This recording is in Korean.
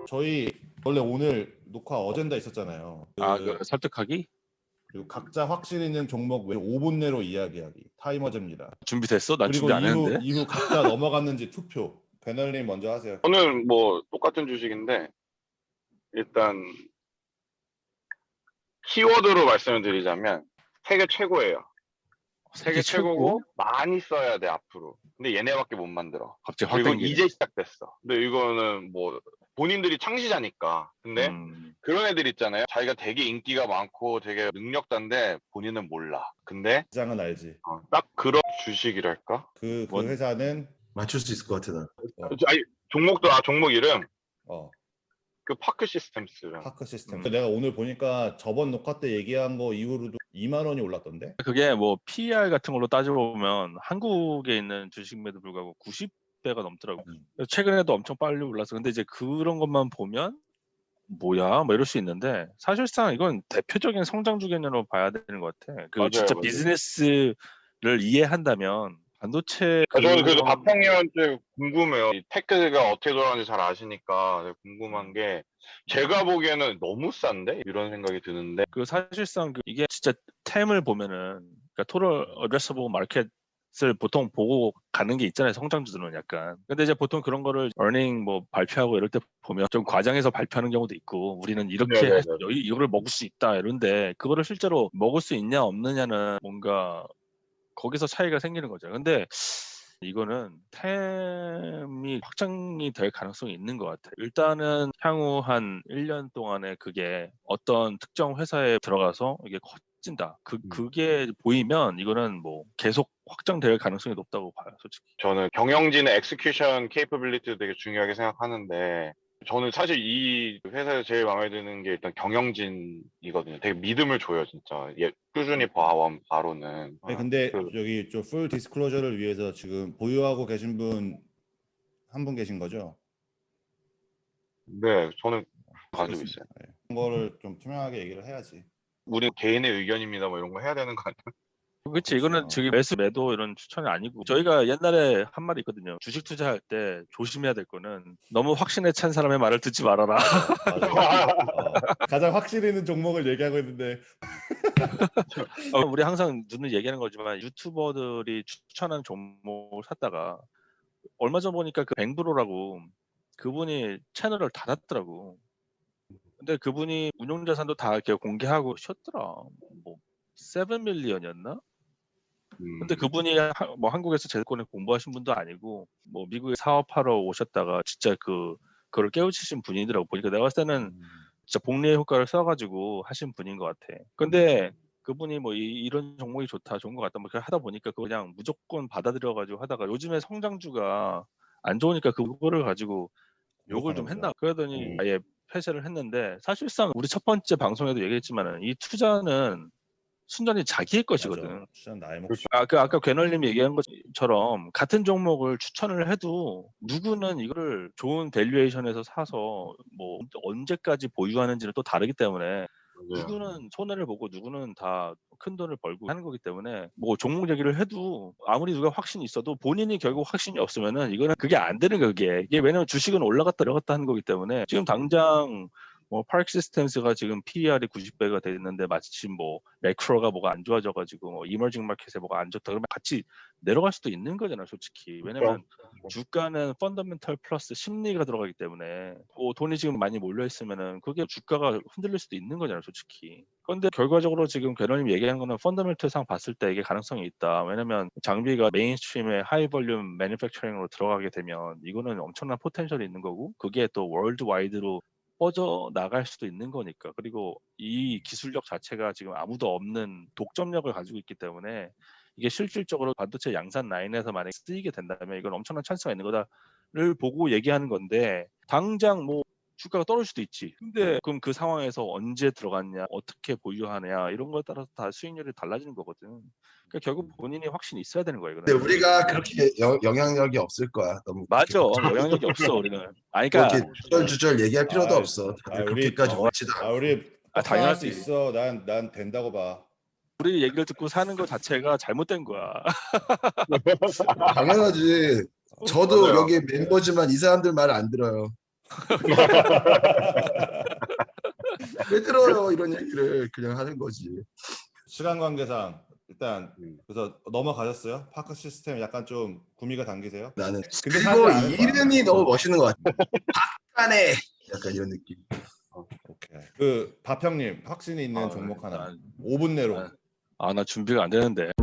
저희 원래 오늘 녹화 어젠다 있었잖아요. 그 설득하기? 그리고 각자 확신 있는 종목 외 5분 내로 이야기하기 타이머제입니다. 준비됐어? 난 그리고 준비 안 했는데. 이후 각자 넘어갔는지 투표. 배널님 먼저 하세요. 저는 뭐 똑같은 주식인데 일단 키워드로 말씀을 드리자면 세계 최고예요. 세계 최고고 많이 써야 돼 앞으로. 근데 얘네밖에 못 만들어. 갑자기 확 그리고 땡기네. 이제 시작됐어. 근데 이거는 뭐 본인들이 창시자니까. 근데 그런 애들 있잖아요. 자기가 되게 인기가 많고 되게 능력자인데 본인은 몰라. 근데 시장은 알지. 딱 그런 주식이랄까? 그 뭔- 회사는 맞출 수 있을 것 같아 나. 아니, 종목 이름 어, 그 파크 시스템스랑. 파크 시스템. 내가 오늘 보니까 저번 녹화 때 얘기한 거 이후로도 2만 원이 올랐던데. 그게 뭐 PER 같은 걸로 따져보면 한국에 있는 주식매도 불구하고 90배가 넘더라고. 최근에도 엄청 빨리 올랐어. 근데 이제 그런 것만 보면 뭐야? 뭐 이럴 수 있는데 사실상 이건 대표적인 성장주 개념으로 봐야 되는 것 같아. 그 맞아요, 진짜 맞아요. 비즈니스를 이해한다면 반도체 저는 그래도 박평님한테 궁금해요. 이 테크가 어떻게 돌아가는지 잘 아시니까 궁금한 게 제가 보기에는 너무 싼데? 이런 생각이 드는데 그 사실상 이게 진짜 템을 보면은 그러니까 토tal addressable market을 보통 보고 가는 게 있잖아요. 성장주들은 약간. 근데 이제 보통 그런 거를 earning 뭐 발표하고 이럴 때 보면 좀 과장해서 발표하는 경우도 있고 우리는 이렇게 네네네. 해서 이거를 먹을 수 있다 이런데 그거를 실제로 먹을 수 있냐 없느냐는 뭔가 거기서 차이가 생기는 거죠. 근데 이거는 템이 확장이 될 가능성이 있는 것 같아요. 일단은 향후 한 1년 동안에 그게 어떤 특정 회사에 들어가서 이게 커진다. 그게 보이면 이거는 뭐 계속 확장될 가능성이 높다고 봐요, 솔직히. 저는 경영진의 엑스큐션 케이퍼빌리티도 되게 중요하게 생각하는데 저는 사실 이 회사에서 제일 마음에 드는 게 일단 경영진이거든요. 되게 믿음을 줘요, 진짜. 꾸준히 봐온 바로는. 아니 근데 여기 좀 풀 디스클로저를 위해서 지금 보유하고 계신 분 한 분 계신 거죠? 네, 저는 가지고 있어요. 네. 그런 거를 좀 투명하게 얘기를 해야지. 우리 개인의 의견입니다, 뭐 이런 거 해야 되는 거 아니에요? 그렇지. 이거는 저기 매도 이런 추천이 아니고 저희가 옛날에 한 말이 있거든요. 주식 투자할 때 조심해야 될 거는 너무 확신에 찬 사람의 말을 듣지 말아라. 맞아. 가장 확실 있는 종목을 얘기하고 있는데 우리 항상 눈을 얘기하는 거지만 유튜버들이 추천한 종목을 샀다가 얼마 전 보니까 그 뱅브로라고 그분이 채널을 닫았더라고. 근데 그분이 운용자산도 다 이렇게 공개하고 쉬었더라. 뭐 7밀리언이었나? 근데 그분이 뭐 한국에서 제도권에 공부하신 분도 아니고 뭐 미국에 사업하러 오셨다가 진짜 그걸 깨우치신 분이더라고. 보니까 내가 봤을 때는 진짜 복리의 효과를 써가지고 하신 분인 것 같아. 근데 그분이 뭐 이런 종목이 좋다, 좋은 것 같다, 뭐 하다 보니까 그냥 무조건 받아들여가지고 하다가 요즘에 성장주가 안 좋으니까 그거를 가지고 욕을 좀 했나? 그러더니 아예 폐쇄를 했는데 사실상 우리 첫 번째 방송에도 얘기했지만은 이 투자는 순전히 자기의 것이거든. 투자는 나의 몫이. 아까 괴널님이 얘기한 것처럼 같은 종목을 추천을 해도 누구는 이거를 좋은 밸류에이션에서 사서 뭐 언제까지 보유하는지는 또 다르기 때문에 누구는 손해를 보고 누구는 다 큰 돈을 벌고 하는 거기 때문에 뭐 종목 얘기를 해도 아무리 누가 확신이 있어도 본인이 결국 확신이 없으면은 이거는 그게 안 되는 거예요. 이게 왜냐면 주식은 올라갔다 내려갔다 하는 거기 때문에 지금 당장 뭐 파크 시스템스가 지금 PER이 90배가 됐는데 마침 뭐 매크로가 뭐가 안 좋아져가지고 뭐 이머징 마켓에 뭐가 안 좋다 그러면 같이 내려갈 수도 있는 거잖아요, 솔직히. 왜냐면 주가는 펀더멘털 플러스 심리가 들어가기 때문에 뭐 돈이 지금 많이 몰려 있으면은 그게 주가가 흔들릴 수도 있는 거잖아요, 솔직히. 그런데 결과적으로 지금 괴널님 얘기하는 거는 펀더멘털상 봤을 때 이게 가능성이 있다. 왜냐면 장비가 메인스트림의 하이 볼륨 매니팩처링으로 들어가게 되면 이거는 엄청난 포텐셜이 있는 거고 그게 또 월드 와이드로 뻗어 나갈 수도 있는 거니까. 그리고 이 기술력 자체가 지금 아무도 없는 독점력을 가지고 있기 때문에 이게 실질적으로 반도체 양산 라인에서 만약에 쓰이게 된다면 이건 엄청난 찬스가 있는 거다를 보고 얘기하는 건데 당장 뭐 주가가 떨어질 수도 있지. 근데 그럼 그 상황에서 언제 들어갔냐, 어떻게 보유하냐 이런 거에 따라서 다 수익률이 달라지는 거거든. 그러니까 결국 본인이 확신이 있어야 되는 거예요. 근데 우리가 그렇게 영향력이 없을 거야. 너무 맞아. 영향력이 없어 우리는. 아니 그러니까 그렇게 주절주절 얘기할 필요도 없어. 다들 그렇게까지 옳지도 않아. 우리 할수 당연하지. 있어. 난 된다고 봐. 우리 얘기를 듣고 사는 것 자체가 잘못된 거야. 당연하지. 저도 맞아요. 여기 멤버지만 이 사람들 말 안 들어요. 왜 들어요 이런 얘기를 그냥 하는 거지. 시간 관계상 일단 그래서 넘어가셨어요? 파크 시스템 약간 좀 구미가 당기세요? 나는 근데 그리고 사실 아는 거야. 이름이 너무 멋있는 것 같아. 박간의 약간 이런 느낌. 오케이. 그 바평님 확신이 있는 종목 하나. 5분 내로. 나 준비가 안 되는데.